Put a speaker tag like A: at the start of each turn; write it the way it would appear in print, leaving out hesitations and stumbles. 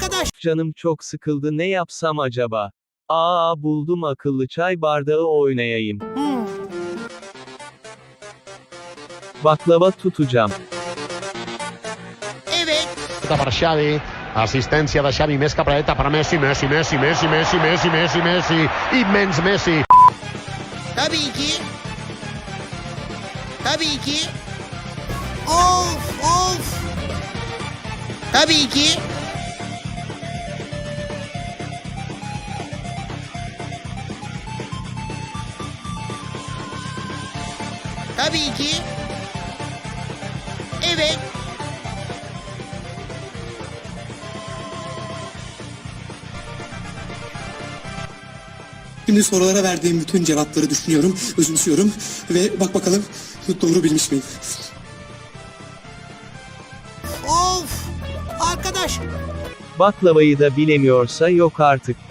A: Arkadaş.
B: Canım çok sıkıldı, ne yapsam acaba? Buldum, akıllı çay bardağı oynayayım. Baklava tutacağım.
A: Evet.
C: Per Xavi, assistència de Xavi, més cap a dreta per Messi, Messi, immens Messi.
A: Tabii ki. Tabii ki. Of. Tabii ki. Tabii ki. Evet.
D: Şimdi sorulara verdiğim bütün cevapları düşünüyorum, özümsüyorum ve bak bakalım doğru bilmiş miyim?
A: Of. Arkadaş.
B: Baklavayı da bilemiyorsa yok artık.